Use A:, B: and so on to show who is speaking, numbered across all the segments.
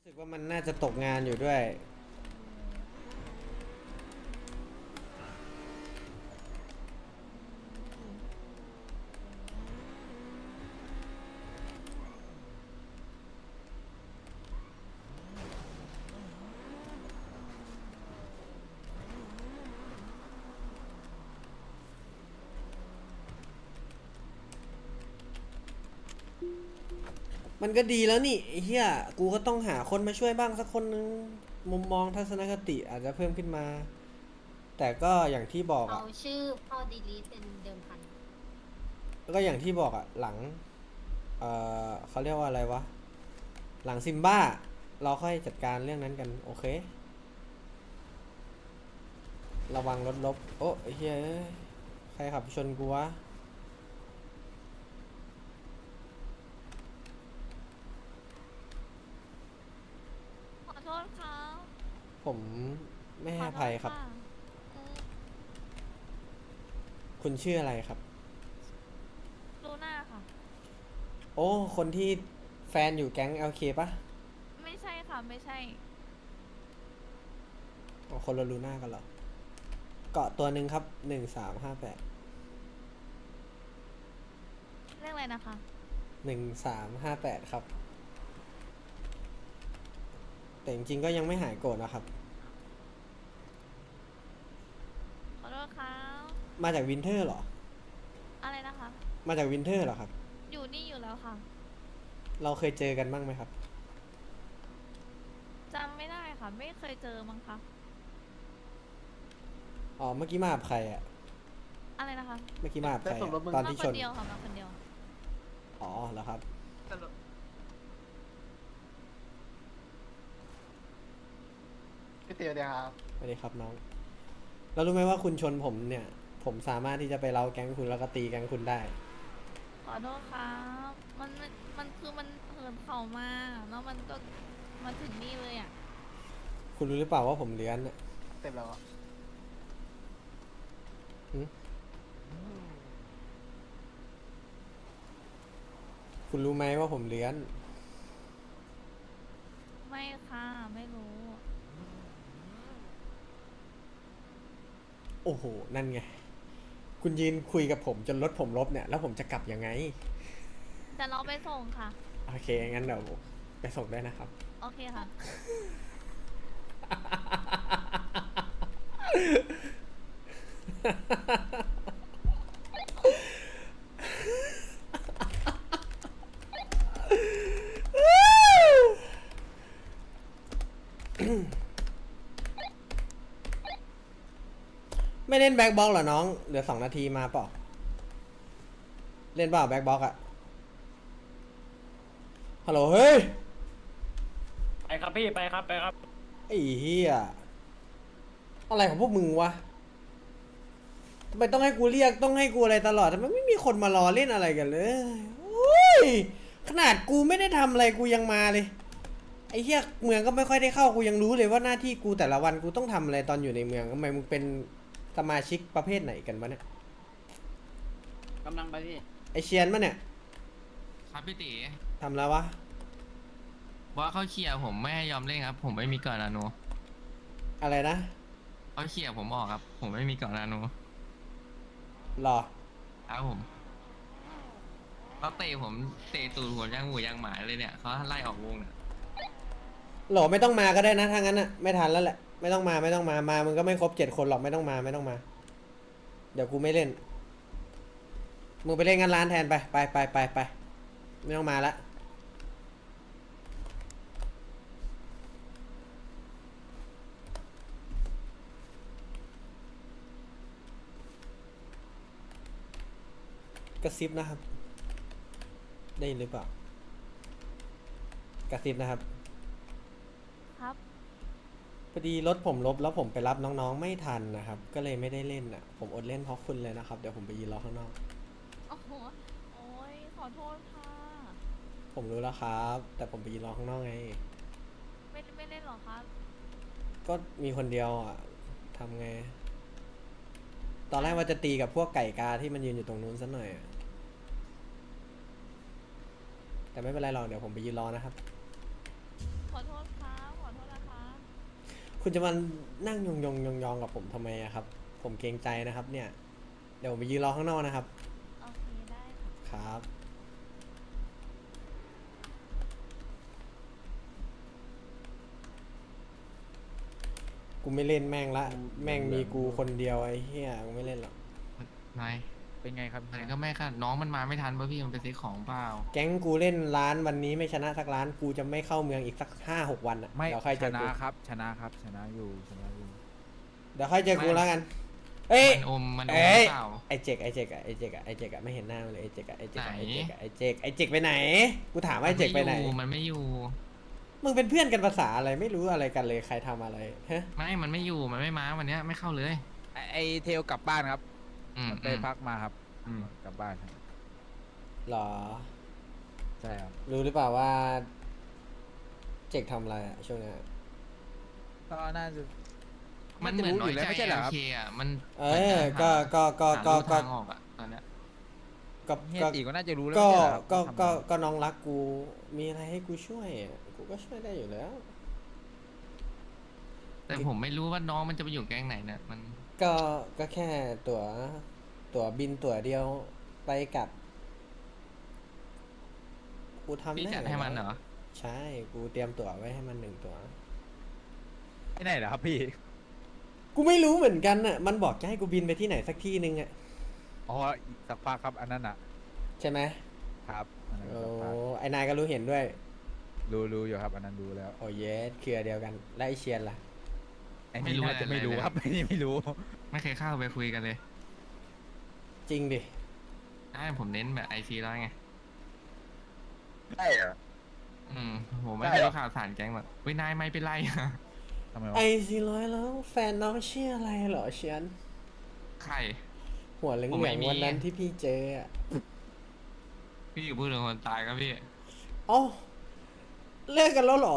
A: รู้สึกว่ามันน่าจะตกงานอยู่ด้วยมันก็ดีแล้วนี่ไอ้เหี้ยกูก็ต้องหาคนมาช่วยบ้างสักคนนึงมุมมองทัศนคติอาจจะเพิ่มขึ้นมาแต่ก็อย่างที่บอก
B: เอา
A: อ่ะ
B: ชื่อพ่อดีลีทเป็นเดิมพัน
A: แล้วก็อย่างที่บอกอ่ะหลังเขาเรียกว่าอะไรวะหลังซิมบ้าเราค่อยจัดการเรื่องนั้นกันโอเคระวังรถลบโอ้ไอ้เหี้ยใครขับชนกูวะ
C: ขอโทษครับ
A: ผมไม่ให้
C: ขอโท
A: อภัยครับ
C: ษค่ะเออ
A: คุณชื่ออะไรครับ
C: ลูน่าค่ะ
A: โอ้คนที่แฟนอยู่แก๊ง LK ปะ
C: ไม่ใช่ค่ะ ไม่ใช่
A: อ๋อคนละลูน่ากันเหรอเกาะตัวหนึ่งครับ1358
C: เรื่องอะไรนะคะ
A: 1358ครับแต่จริงๆก็ยังไม่หายโกรธนะครับ
C: ขอโทษครับ
A: มาจากวินเทอร์เหรอ
C: อะไรนะคะ
A: มาจากวินเทอร์เหรอครับ
C: อยู่นี่อยู่แล้วค่ะ
A: เราเคยเจอกันบ้างไหมครับ
C: จำไม่ได้ค่ะ ไม่เคยเจอมั้งคะ
A: อ๋อเมื่อกี้มากับใครอะ
C: อะไรนะคะ
A: เมื่อกี้มากับใคร
D: ได้ส่งรถมึง
A: ตอน
C: มา
A: ที่ชน
C: คนเดียวค่ะ มาคนเดียว
A: อ๋อเหรอครับ
D: พี่เตียวเดียวครับ
A: สวัสดีครับน้องแล้วรู้ไหมว่าคุณชนผมเนี่ยผมสามารถที่จะไปเล้าแก๊งคุณแล้วก็ตีแก๊งคุณได้
C: ขอโทษครับ มันคือมันเหินเข่ามาแล้วมันก็มาถึงนี่เลยอ่ะ
A: คุณรู้หรือเปล่าว่าผมเลื้อนอะ
D: เต็มแล้วอะ
A: หึคุณรู้ไหมว่าผมเลื้อน
C: ไม่ค่ะ ไม่รู้
A: โอ้โห นั่นไง คุณยืนคุยกับผมจนรถผมลบเนี่ย แล้วผมจะกลับยังไง
C: แต่เราไปส่งค่ะ
A: โอเค งั้นเดี๋ยวไปส่งได้นะครับ
C: โอเคค่ะ
A: ไม่เล่นแบ็คบ็อกเหรอน้อง เหลือ2 นาทีมาเปล่า เล่นเปล่าแบ็คบ็อกอะฮัลโหล เฮ้ย
E: ไปครับพี่ไปครับไปครับ
A: ไอ้เหี้ย อะไรของพวกมึงวะทำไมต้องให้กูเรียก ต้องให้กูอะไรตลอดทำไมไม่มีคนมารอเล่นอะไรกันเลยโอ้ย ขนาดกูไม่ได้ทำอะไรกูยังมาเลย ไอ้เหี้ยเมืองก็ไม่ค่อยได้เข้ากูยังรู้เลยว่าหน้าที่กูแต่ละวันกูต้องทำอะไรตอนอยู่ในเมืองทำไมมึงเป็นสมาชิกประเภทไหนกันวะเนี่ย
E: กำลังไปพี่
A: ไอเชียนมะเนี่ย
F: ครับพี่ตี
A: ทำแล้ววะ
F: ว่าเขาเขี่ยร์ผมไม่ให้ยอมเล่นครับ ผมไม่มีเกาะนาโน
A: อะไรนะ
F: เขาเขี่ยร์ผมออกครับ ผมไม่มีเกาะนาโน
A: หรอ
F: ครับผมเขาเตะผมเตะตูดผมย่างหมูย่างหมาเลยเนี่ยเขาไล่ออกวงเนี่ย
A: หรอไม่ต้องมาก็ได้นะถ้างั้นอะไม่ทันแล้วแหละไม่ต้องมาไม่ต้องมามามึงก็ไม่ครบ7 คนหรอกไม่ต้องมาไม่ต้องมา เดี๋ยวกูไม่เล่นมึงไปเล่นงานร้านแทนไปไม่ต้องมาละกระซิบนะครับได้ยินหรือเปล่ากระซิบนะครับ
C: ครับ
A: พอดีรถผมลบแล้วผมไปรับน้องๆไม่ทันนะครับก็เลยไม่ได้เล่นอ่ะผมอดเล่นเพราะคุณเลยนะครับเดี๋ยวผมไปยืนรอข้างนอก
C: โอ้โหโอ้ยขอโทษค่ะ
A: ผมรู้แล้วครับแต่ผมไปยืนรอข้างนอกไง
C: ไม่เล่นหรอครับ
A: ก็มีคนเดียวอ่ะทำไงตอนแรกว่าจะตีกับพวกไก่กาที่มันยืนอยู่ตรงนู้นซะหน่อยอะแต่ไม่เป็นไรหรอกเดี๋ยวผมไปยืนรอนะครับ
C: ขอโทษ
A: คุณจะมานั่งยองกับผมทำไมอะครับ ผมเกรงใจนะครับ เนี่ย เดี๋ยวผมไปยืนรอข้างนอกนะครับ
C: โอเคได้ค่ะ
A: ครับ กูไม่เล่นแม่งละ แม่งมีกูคนเดียวไอ้เหี้ย กูไม่เล่นหรอก
F: นาย
G: เป็นไงครับ
F: อะไรก็ไม่ค่ะน้องมันมาไม่ทันป่ะพี่มันไปซื้อของเปล่า
A: แก๊งกูเล่นร้านวันนี้ไม่ชนะสักร้าน กูจะไม่เข้าเมืองอีกสัก5-6 วันอะ
G: ไม่
A: เดี๋ยวค่อย
G: ช
A: เจอ
G: นะ
A: กู
G: ครับ ชนะครับ ชนะอยู่ ชนะอยู่
A: เดี๋ยวค่อยเจอกูแล้วกัน เอ้ย
F: มันอมห
A: เอ้ย
F: รือเปล่า
A: ไอเจกอะไม่เห็นหน้ามันเลยไอเจกอะ
F: ไหน
A: ไอเจกไปไหน กูถามว่าไอเจกไปไหน
F: มันไม่อยู่
A: มึงเป็นเพื่อนกันภาษาอะไรไม่รู้อะไรกันเลยใครทำอะไรฮะ
F: มันไม่อยู่มันไม่มาวันเนี้ยไม่เข้าเลย
G: ไอเทลกลับบ้านครับ
F: อืม
G: ไปพักมาครับ กลับบ้านครับ
A: หรอ
G: ใช่ครับ
A: รู้หรือเปล่าว่า เจกทำอะไรอะช่วงเนี้ย
G: ก็น่าจะ
F: มันเหมือนน้อยใจ
G: ไม่ใช่เหรอครับ
F: โอเคอ่ะมัน
A: เออก็
F: หาทางออกอ่ะตอนเนี้ย
A: ก็
G: เฮียตีก็น่าจะรู้แล้ว
A: ก็
G: ไม่ใช่เหรอครับ
A: ก็
G: ทำอะไร
A: ก็น้องรักกู มีอะไรให้กูช่วยอะกูก็ช่วยได้อยู่แล้ว
F: แต่ผมไม่รู้ว่าน้องมันจะไปอยู่แก๊งไหนเนี่ยมัน
A: ก็แค่ตั๋วบินตั๋วเดียวไปกลับ กูทำ
F: พี่
A: ได้
F: จัดให้มันเหรอ
A: ใช่ กูเตรียมตั๋วไว้ให้มัน1 ตั๋ว
G: ที่ไหนเหรอครับพี่
A: กูไม่รู้เหมือนกันน่ะ มันบอกจะให้กูบินไปที่ไหนสักที่นึงอ่ะ
G: อ๋ออีกสักพักครับอันนั้นอ่ะ
A: ใช่ไหม
G: ครับอันนั้น
A: โอ้
G: สักพัก
A: ไอ้นายก็รู้เห็นด้วย
G: รู้อยู่ครับอันนั้นรู้แล้ว
A: โอ้เยสเครือเดียวกัน แล้วไอเชียนล่ะ
G: ไอ้นี่น่าจะไม่รู้ครับไอ้นี่ไม่รู้
F: ไม่เคยเข้าไปคุยกันเลย
A: จริงดิ
F: ได้ผมเน้นแบบไอซีแล้วไง
G: ใช่เหรอ
F: ผมไม่
G: ได้
F: ได้
G: เหรอ
F: รู้ข่าวสารแก๊งแบบเฮ้ยนายไม่เป็นไรอะ
G: ทำไมวะ
A: ไอ400แล้วแฟนน้องชื่ออะไรเหรอเชียน
F: ใคร
A: หัวเหลื
F: ผมไม่
A: อง
F: มี
A: ๆวันนั้นที่พี่เจออ่ะ
F: พี่อยู่พูดถึงคนตายครับพี่
A: เอ้าเลิกกันแล้วเหรอ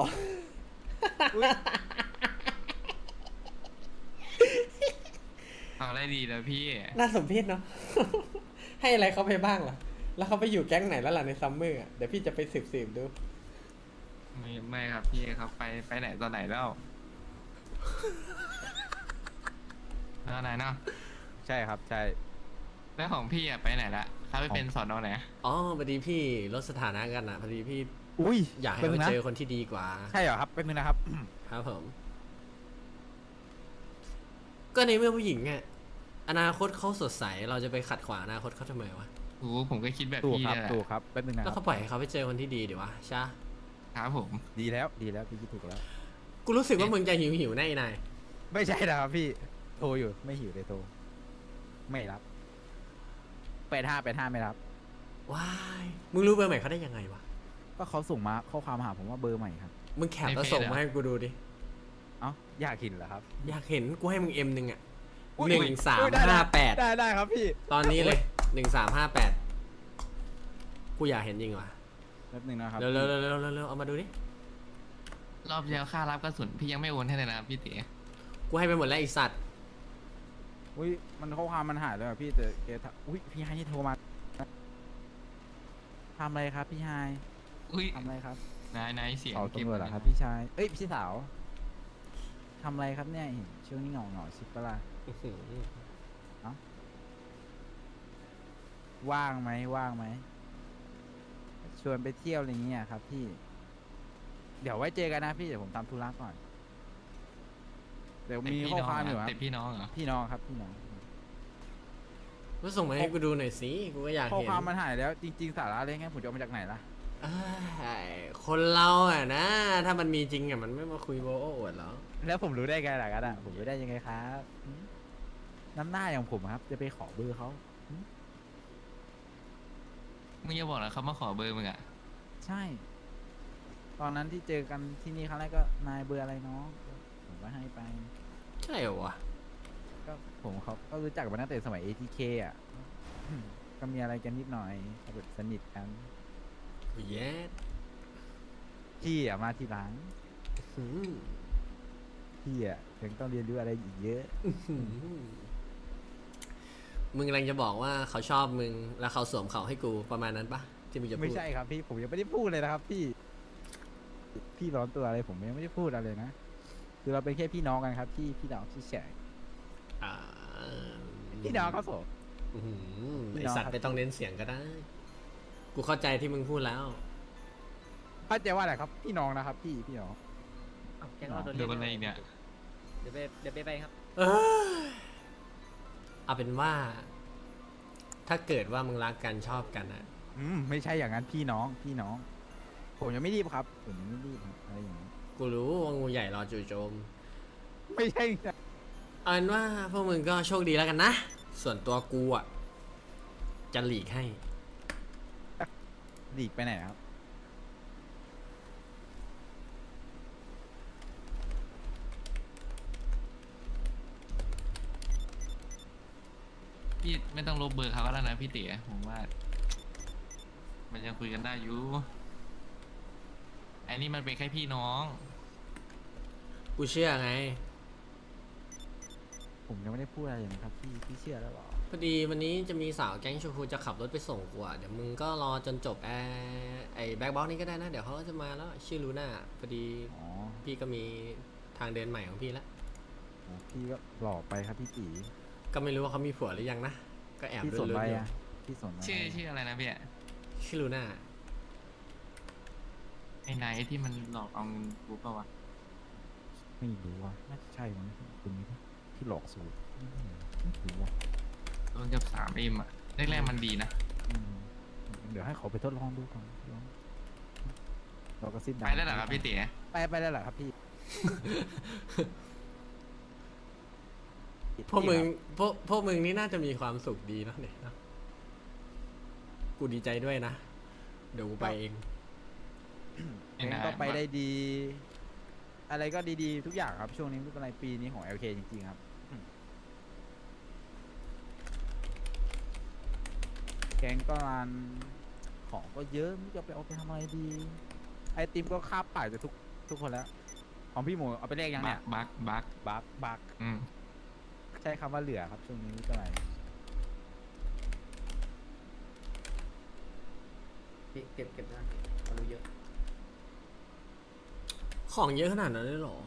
F: เอาได้ดีแล้วพี่
A: น่าสมเพชเนาะ ให้อะไรเขาไปบ้างล่ะ แล้วเขาไปอยู่แก๊งไหนแล้วล่ะในซัมเมอร์อะเดี๋ยวพี่จะไปสืบดู
F: ไม่ครับพี่ครับไปไหนตอนไหนแล้วแล้วไหนเนาะ
G: ใช่ครับใช่
F: แล้วของพี่อะไปไหนละเขาไปเป็นสอนอไหน
A: อ๋อพอดีพี่ลดสถานะกันอ่ะพอดีพี่
G: อุ้ย
A: อยากให้
G: แป๊บ
A: ไป
G: นึงนะ
A: เจอคนที่ดีกว่า
G: ใช่เหรอครับเป็นนึงนะครับ
A: ครับผม ก็ในเมื่อผู้หญิงอ่ะอนาคตเขาสดใสเราจะไปขัดขวางอนาคตเขาทำไมวะ
F: โอ้ผมก็คิดแบบ
G: ถูก
F: พี่
G: ครับ
F: เนี่ยแหละ
G: ถูกครับเป็นนึงนะ
A: แล้ว
G: ครั
A: เขา
G: บ
A: ปล่อยให้เขาไปเจอคนที่ดีดีวะใช่
F: ครับผม
G: ดีแล้วพี่คิดถูกแล้ว
A: กูรู้สึกว่ามึงจะหิวแน่นาย
G: ไม่ใช่นะครับพี่โทรอยู่ไม่หิวเลยโทรไม่รับ85ไม่รับ
A: ว้ายมึงรู้เบอร์ใหม่เขาได้ยังไงวะ
G: ก็เขาส่งมาข้อความมาหาผมว่าเบอร์ใหม่ครับ
A: มึงแคปแล้วส่งมาให้กูดูดิ
G: เอ้าอยากเห็นเหรอครับ
A: อยากเห็นกูให้มึงM หนึ่งอ่ะ
G: อุ๊ย
A: 1358
G: ได้ครับพี่
A: ตอนนี้เลย1358กูอยากเห็นจริงว่ะ
G: แป๊บนึงนะครับ
A: เร็วเอามาดูดิ
F: รอบที่แล้วค่ารับกระสุนพี่ยังไม่โอนให้เลยนะครับพี่เต๋
A: กูให้ไปหมดแล้วไอสัตว์
G: อุ้ยมันข้อความมันหายเลยอะพี่แต่แกทักอุ้ยพี่ไฮนี่โทรมาทำอะไรครับพี่ไฮ
F: อุ้ย
G: ทำอะไรครับ
F: นายเสียง
G: เผา
F: เก็บ
G: ตำรวจเหรอครับพี่ชายเอ้ยพี่สาวทำอะไรครับเนี่ยเห็นช่วงนี้เหงาชิบปะล่ะว่างไหมชวนไปเที่ยวอะไรเงี้ยครับพี่ เดี๋ยวไว้เจอกันนะพี่เดี๋ยวผมทำธุระก่อน เดี๋ยวมีข้อความอยู่ครับ
F: แต่พี่น้องเหรอ
G: พี่น้องครับพี่น้อง
A: ก็ส่งมาให้กูดูหน่อยสิกูก็อยาก
G: ข้อ
A: เห็น
G: ความมันหายแล้วจริง ๆ สาระอะไรเงี้ยผมจะเอามาจากไหนล่ะ
A: อ้ายคนเราอ่ะนะ ถ้ามันมีจริงอ่ะมันไม่มาคุยโว้อวดหรอก
G: แล้วผมรู้ได้ไงล่ะกันอ่ะผมรู้ได้ยังไงครับน้ำหน้าอย่างผมครับ จะไปขอเบอร์เขา
F: มึงอย่าบอกนะเขามาขอเบอร์มึงอ่ะ
G: ใช่ ตอนนั้นที่เจอกันที่นี่ครั้งแรกก็นายเบอร์อะไรน้องผมก็ให้ไป
A: ใช่เหรอวะ
G: ก็ผมเขาก็รู้จักมาตั้งแต่สมัย ATK อ่ะ ก็มีอะไรกันนิดหน่อยแบบสนิทกัน
A: เย็ด
G: พี่อ่ะมาทีหลัง
A: หืม
G: พี่อ่ะยังต้องเรียนรู้อะไรอีกเยอะ
A: หืมมึงกำลังจะบอกว่าเขาชอบมึงแล้วเขาสวมเขาให้กูประมาณนั้นปะที่มึงจะพูด
G: ไม่ใช่ครับพี่ผมยังไม่ได้พูดเลยนะครับ พี่ร้อนตัวอะไรผมยังไม่ได้พูดอะไรนะคือเราเป็นแค่พี่น้องกันครับพี่น้องที่แฉก
A: อ่า
G: พี่น้องครับผม
A: อื้อหือ
G: พี่
A: ไอ
G: น้อง
A: สัต
G: ครั
A: ว์
G: บ
A: ไม่ต้องเน้นเสียงก็ได้ กูเข้าใจที่มึงพูดแล้ว
G: เข้าใจว่าอะไรครับพี่น้องนะครับพี่น้อง
E: แกงเราโดน
F: เดี๋ยวอะไรอีกเนี่ย
E: เดี๋ยวไปครับ
A: เออเอาเป็นว่า ถ้าเกิดว่ามึงรักกันชอบกันอะ
G: ไม่ใช่อย่างนั้นพี่น้อง ผมยังไม่รีบครับผมยังไม่รีบครับอะไรอย่างนี้
A: กูรู้ว่างูใหญ่รอจู่โจม
G: ไม่ใช่
A: เอาเป็นว่าพวกมึงก็โชคดีแล้วกันนะ ส่วนตัวกูอะจะหลีกให้
G: หลีกไปไหนครับ
F: พี่ไม่ต้องลบเบอร์เขาก็ได้นะพี่เต๋อผมว่า มันยังคุยกันได้อยู่ไอ้นี่มันเป็นแค่พี่น้อง
A: กูเชื่อไง
G: ผมยังไม่ได้พูดอะไรเลยนะครับพี่เชื่อแล้วเหรอ
A: พอดีวันนี้จะมีสาวแก๊งชมพูจะขับรถไปส่งกูอะเดี๋ยวมึงก็รอจนจบไอ้แบ็คบ็อกนี่ก็ได้นะ เดี๋ยวเขาก็จะมาแล้วชื่อลูน่าพอดี
G: อ๋อ
A: พี่ก็มีทางเดินใหม่ของพี่แล้ว
G: โหพี่ก็หลอกไปครับพี่ตี
A: ก็ไม่รู้ว่าเขามีผัวหรือยังนะ ก็แอบ
G: พี่
A: ลุ้
G: สน
A: น
G: อะไร
A: ๆอยู่
G: อ่ะพี่สนอะไร
F: ชื่ออะไรนะพี่
A: ชื่อลูน่า
F: ไอ้นายที่มันหลอกเอาเงินกูเปล่าวะ
G: ไม่รู้ว่าน่าจะใช่มั้งคุณนี้ที่หลอกสูตรไม่รู้ว่า
F: โดนจับ3Mอ่ะแรกๆมันดีนะ
G: เดี๋ยวให้เขาไปทดลองดูก่อนเราก็สิ้น
F: ไปแล้วเหรอครับพี่เต๋อ
G: ไปแล้วเหรอครับพี่
A: พวกมึงพวกมึงนี่น่าจะมีความสุขดีเนอะเนี่ยเนอะกูดีใจด้วยนะ เดี๋ยวกูไปเอง
G: เองก็ไปได้ดี อะไรก็ดีๆทุกอย่างครับช่วงนี้ไม่เป็นไรปีนี้ของ LK จริงๆครับแกงก็รันของก็เยอะไม่รู้จะไปเอาไปทำอะไรดี ไอติมก็คาบปากจะทุกคนแล้ว ของพี่หมูเอาไปแลกยัง
F: บั
G: เนี่
F: ก
G: ย
F: บัก อืม
G: ใช้คำว่าเหลือครับช่วงนี้ไม่เป็นไร
E: เก็บนะเขารู้เยอะ
A: ของเยอะขนาดนั้นเลยเหรอ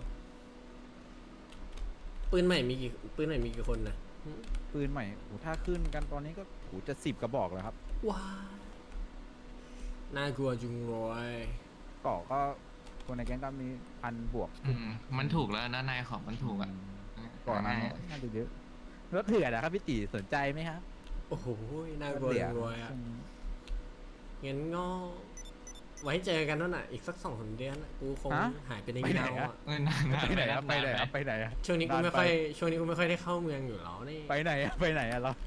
A: ปืนใหม่มีกี่คนนะ
G: ปืนใหม่โหถ้าขึ้นกันตอนนี้ก็โหจะ10 กระบอกแล้วครับ
A: ว้าน่ากลัวจุงเลย
G: ก่อก็คนในแก๊งก็มี1,000 บวก
F: มันถูกแล้วนะนายของมันถูกอ่ะ
G: ก่อนหน้านี้น่าจะเยอะรถเถื่อนนะครับพี่ตีสนใจไหมครับ
A: โอ้โหน่ากลัวจุงเลยอะงั้นก็ไว้เจอกันนั่นน่ะ อีกสัก2-3 เดือนน่ะกูคงหายไปในเงาอ่ะ
F: เออนาน
G: ไปไหนครับไปไหนครับไปไหนอะ
A: ช่วงนี้กูไม่ค่อยได้เข้าเมืองอยู่แล้วนี่
G: ไปไหนอะไปไหนอะเรา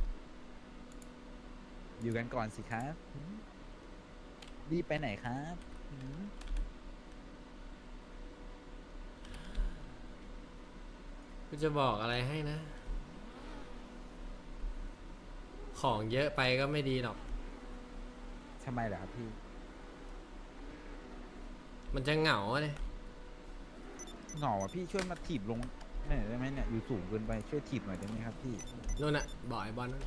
G: อยู่กันก่อนสิครับรีบไปไหนครับหืม
A: กูจะบอกอะไรให้นะ ของเยอะไปก็ไม่ดีหรอก
G: ทำไมเหรอครับพี่
A: มันจะเหงาเลย
G: เหงาอะพี่ช่วยมาถีบลงหน่อยได้ไหมเนี่ยอยู่สูงเกินไปช่วยถีบหน่อยได้ไหมครับพี่
A: นู่นน่ะบอกไอ้บอลนั่น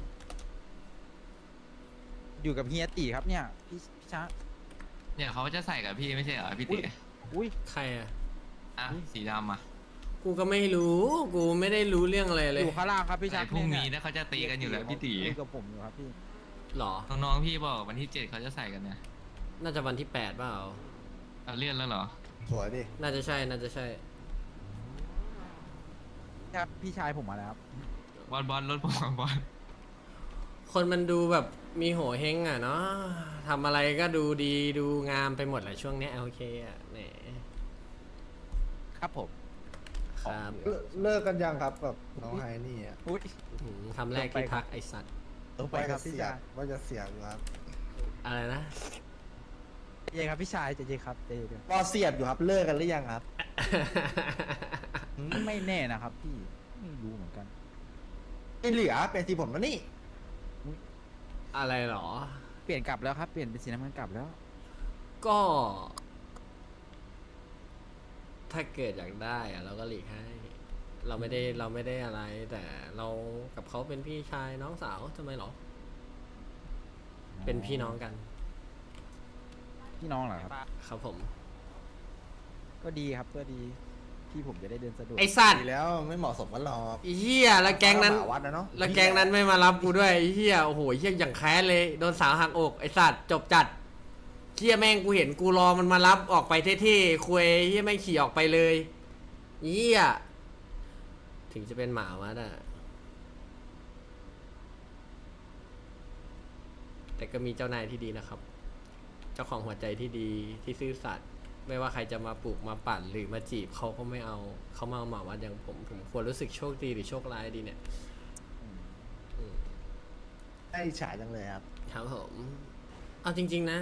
G: อยู่กับเฮียตีครับเนี่ยพี่ช้า
F: เนี่ยเขาจะใส่กับพี่ไม่ใช่เหรอพี่เต๋อ
G: อุ้ย
A: ใครอ่ะ
F: อ่ะสีดำอ่ะ
A: กูก็ไม่รู้ กูไม่ได้รู้เรื่องอะไรเลย
G: อยู่ข้างล่างครับพี่ช้า
F: ไอ้พรุ่งนี้นะเขาจะตีกันอยู่แล้วพี่ตี
G: อยู่กับผมอยู่ครับพี่
A: หรอ
F: น้องๆพี่บอกวันที่7เขาจะใส่กันเนี่ย
A: น่าจะวันที่8เปล่า
F: เอาเลื่อนแล้วเหรอ
D: สวยดิ
A: น่าจะใช่ น่าจะใช่
G: ครับพี่ชายผมมาแล้วครับ
F: บอลรถผมบอล
A: คนมันดูแบบมีโหเฮงอ่ะเนาะทำอะไรก็ดูดีดูงามไปหมดแหละช่วงเนี้ยโอเคอ่ะแหน
G: ครับผม
A: ครับ
D: เลิกกันยังครับกับน้องไฮนี่อ่ะ
G: อุ้ย
A: หืมคำแรกที่ทักไอสัตว์
G: ต้องไปครับพี่ชาย
D: ว่าจะเสียอยู่ครับ
A: อะไรนะ
G: เจครับพี่ชายเจครับเจเดี๋ยว
D: ว่าเสียบอยู่ครับเลิกกันหรือยังครับ
G: ไม่แน่นะครับพี่ไม่รู้เหมือนกัน
D: ไม่เหลือเป็นสีผมแล้วนี่
A: อะไรหรอ
G: เปลี่ยนกลับแล้วครับเปลี่ยนเป็นสีน้ำเงินกลับแล้ว
A: ก็ ถ้าเกิดอยากได้อะเราก็หลีกให้ เราไม่ได้อะไร แต่เรากับเขาเป็นพี่ชายน้องสาวทำไมหรอ เป็นพี่น้องกัน
G: พี่น้องเหรอครับ
A: ครับผม
G: ก็ดีครับก็ดีพี่ผมจะได้เดินสะดวก
A: ไอสัตว์
D: ดีแล้วไม่เหมาะสมกันหรอก
A: ไอ้เหี้ยแล้วแก๊งนั้น
D: หมาวัดนะเนาะ
A: แล้วแก๊งนั้นไม่มารับกูด้วยไอ้เหี้ยโอ้โหเหี้ยอย่างแค้นเลยโดนสาวหักอกไอสัตว์จบจัดเหี้ยแม่งกูเห็นกูรอมันมารับออกไปเท่ๆคุยเหี้ยแม่งขี่ออกไปเลยเหี้ยถึงจะเป็นหมาวัดอะแต่ก็มีเจ้านายที่ดีนะครับ เจ้าของหัวใจที่ดีที่ซื่อสัตย์ไม่ว่าใครจะมาปลูกมาปั่นหรือมาจีบเขาก็ไม่เอาเขามาเอาหมาวัดอย่างผมควรรู้สึกโชคดีหรือโชคร้ายดีเนี่ย
D: ได้อิจฉาจังเลยครับ
A: ครับผมเอาจริง ๆนะ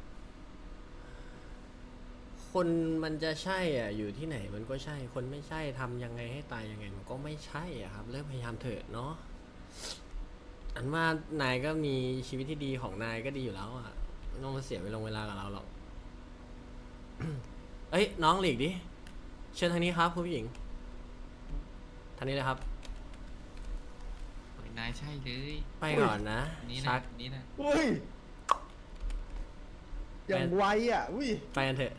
A: คนมันจะใช่อ่ะอยู่ที่ไหนมันก็ใช่ คนไม่ใช่ทำยังไงให้ตายยังไงมันก็ไม่ใช่อ่ะครับเริ่มพยายามเถอะเนาะอันว่านายก็มีชีวิตที่ดีของนายก็ดีอยู่แล้วอ่ะไม่ต้องมาเสียเวลากับเราหรอก เอ้ยน้องหลีกดิเชิญทางนี้ครับคุณผู้หญิงทางนี้เลยครับ
F: โอ้ยนายใช่เลย
A: ไปก่อนนะ
F: นี่
A: ชั
F: นะ
A: ก
F: นี่นะ
D: อุ้ยอย่างไวอ่ะอุ้ย
A: ไปกันเถอะ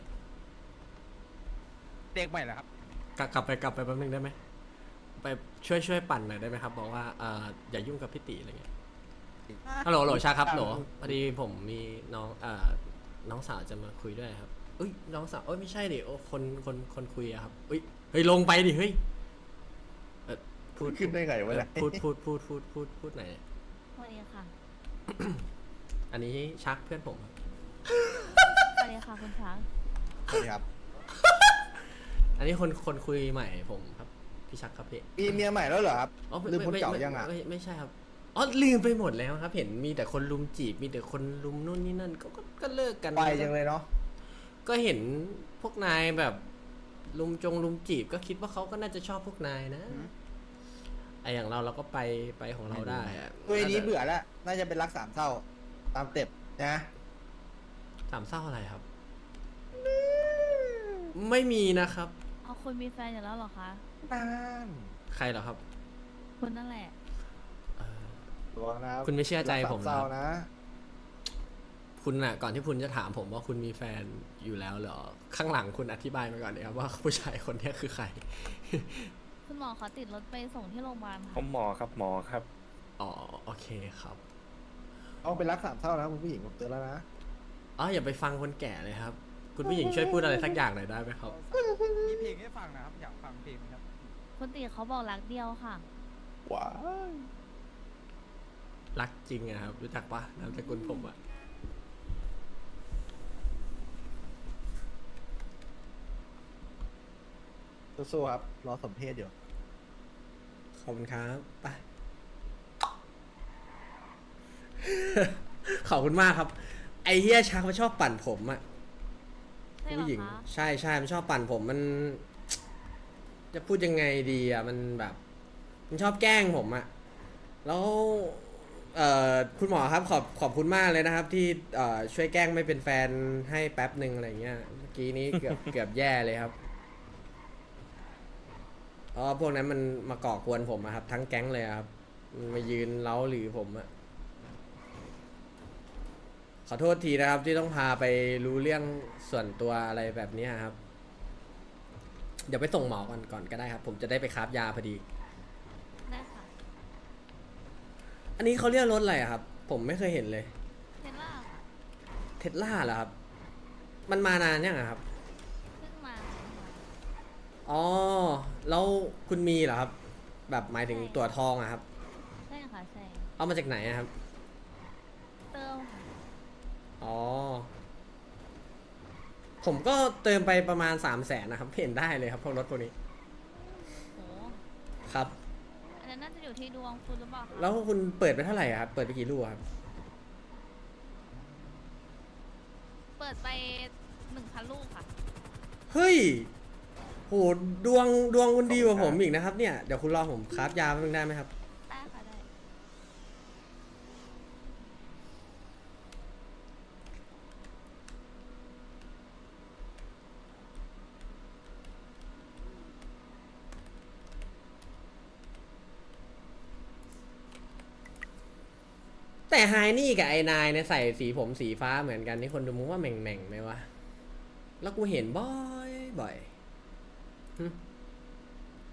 G: เด็กใหม่เหรอครับ
A: กลับไปแป๊บนึงได้ไหมไปช่วยปั่นหน่อยได้ไหมครับบอกว่าอย่ายุ่งกับพี่ติอะไรเงี้ยฮัลโหลชาครับโหลพอดีผมมีน้องสาวจะมาคุยด้วยครับอุ้ยน้องสาวเอ้ยไม่ใช่ดิโอ้คนคุยอะครับอุ้ยเฮ้ยลงไปดิเฮ้ยพูด
D: ขึ้นได้ไงวะเนี่ย
A: พูดไหนอย
C: สวัสดีค่ะ
A: อันนี้ชักเพื่อนผมครับ
C: สวัสดีค่ะคุณช้าง
D: สวัสดีครับ
A: อันนี้คนคุยใหม่ผมครับพี่ชักครับพี่
D: มีเมียใหม่แล้วเหรอครับ
A: อ๋อ
D: ลืมคนเก่ายังอ่ะ
A: ไม่ใช่ครับอ๋อลืมไปหมดแล้วครับ เห็นมีแต่คนลุมจีบมีแต่คนลุมนู่นนี่นั่นก็เลิกกัน
D: ไปจังเลยเนาะ
A: ก็เห็นพวกนายแบบลุมจีบก็คิดว่าเขาก็น่าจะชอบพวกนายนะไออย่างเราก็ไปของเราได้อะ
D: เว้ยนี้เบื่อแล้วน่าจะเป็นรักสามเศร้าตามเต็ปนะ
A: สามเศร้าอะไรครับ ไม่มีนะครับ
C: เอาคุณมีแฟนอยู่แล้วเหรอคะ
D: นาน
A: ใครเหรอครับ
C: คุณนั่นแหละ
A: เอ่อ
D: ระวังนะครับ
A: คุณไม่เชื่อใจผม
D: รักสาเศร้า
A: เหรอ
D: นะ
A: คุณน่ะก่อนที่คุณจะถามผมว่าคุณมีแฟนอยู่แล้วเหรอข้างหลังคุณอธิบายมาก่อนเลยครับว่าผู้ชายคนนี้คือใคร
C: คุณหมอเขาติดรถไปส่งที่โรงพยาบาลค่ะ
H: หมอครับหมอครับ
A: อ๋อโอเคครับ
D: เอาเป็นรักสามเศร้านะคุณผู้หญิงผมเตือนแล้วนะ
A: อ๋ออย่าไปฟังคนแก่เลยครับ คุณผู้หญิงช่วยพูดอะไรสักอย่างหน่อยได้ไหมครับ
G: มีเพลงให้ฟังนะครับ อยากฟังเพลงไหมครับ
C: คุณติเขาบอกรักเดียวค่ะ
D: ว้าย
A: รักจริงอะครับ รู้จักปะนามสกุลผมอะ
D: สู้ๆครับรอสมเพศอยู่
A: ขอบคุณครับไป ขอบคุณมากครับ ไอเฮียชักมันชอบปั่นผมอะ
C: ใช่เหรอ
A: ผู้หญิง
C: คะ
A: ใช่มันชอบปั่นผมมัน จะพูดยังไงดีอะมันแบบ มันชอบแกล้งผมอะแล้วคุณหมอครับขอบคุณมากเลยนะครับ ที่ช่วยแกล้งไม่เป็นแฟนให้แป๊บหนึ่งอะไรเงี้ยเมื่อกี้นี้เกือบแย่เลยครับอ๋อพวกนั้นมันมาก่อกวนผมอะครับ ทั้งแก๊งเลยอะครับมันมายืนเล้าหรือผมอะขอโทษทีนะครับ ที่ต้องพาไปรู้เรื่องส่วนตัวอะไรแบบเนี้ยครับ เดี๋ยวไปส่งหมอก่อนก็ได้ครับ ผมจะได้ไปคราฟยาพอดี
C: ได้ค่ะ
A: อันนี้เขาเรียกรถอะไรอะครับ ผมไม่เคยเห็นเลย
C: เทสล่าค่ะ
A: เทสลาเหรอครับ มันมานานยังอะครับ
C: เพิ่งมา
A: อ๋อ แล้วคุณมีเหรอครับ แบบหมายถึงตัวทองอะครับ
C: ใช่ค่ะใช่
A: เอามาจากไหนอะครับ
C: เติมค่ะ
A: อ๋อ ผมก็เติมไปประมาณ300,000นะครับเห็นได้เลยครับพวกรถพวกนี้
C: โห
A: ครับ
C: อันนั้นน่าจะอยู่ที่ดวงคุณหรือเปล่าคะ
A: แล้วคุณเปิดไปเท่าไหร่อะครับ เปิดไปกี่ลูกอะครับ
C: เปิดไป 1,000 ลูกค่ะ
A: เฮ้ย โห ดวงคุณดีกว่าผมอีกนะครับเนี่ย เดี๋ยวคุณรอผมคราฟยาแป๊บนึงได้ไหมครับ
C: ได้ค่ะได้
A: แต่ไฮนี่กับไอ้นายเนี่ยใส่สีผมสีฟ้าเหมือนกันนี่คนดูมึงว่าแหม่งไหมวะ แล้วกูเห็นบ่อยหึ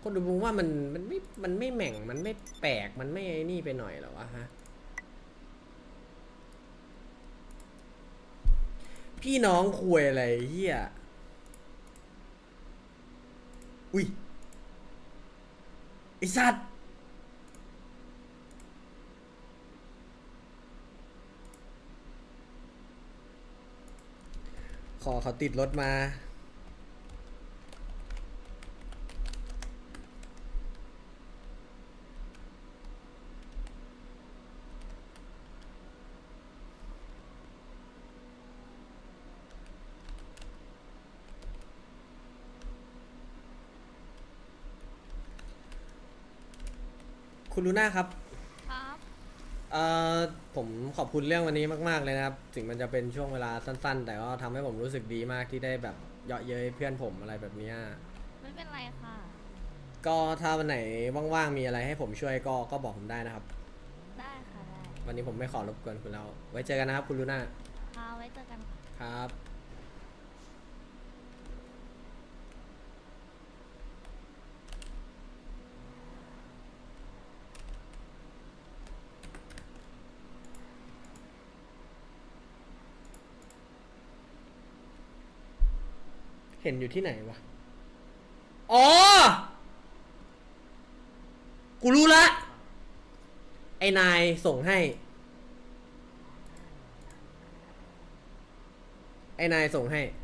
A: คนดูมึงว่ามันไม่แหม่งมันไม่แปลกมันไม่ไอ้นี่ไปหน่อยเหรอวะฮะพี่น้องคุยอะไรเฮียอุ้ยไอสัตว์ขอเขาติดรถมาคุณลูน่าครับ
C: ครับ
A: เอ่อผมขอบคุณเรื่องวันนี้มากๆเลยนะครับ ถึงมันจะเป็นช่วงเวลาสั้นๆ แต่ก็ทำให้ผมรู้สึกดีมากที่ได้แบบเยาะเย้ยเพื่อนผมอะไรแบบเนี้ย
C: ไม่เป็นไรค่ะ
A: ก็ถ้าวันไหนว่างๆมีอะไรให้ผมช่วยก็บอกผมได้นะครับ
C: ได้ค่ะได้
A: วันนี้ผมไม่ขอรบกวนคุณแล้ว ไว้เจอกันนะครับคุณลูน่า
C: ค่ะไว้เจอกันค่ะ
A: ครับ เห็นอยู่ที่ไหนวะ อ๋อ กูรู้ละ ไอ้นายส่งให้ ไอ้นายส่งให้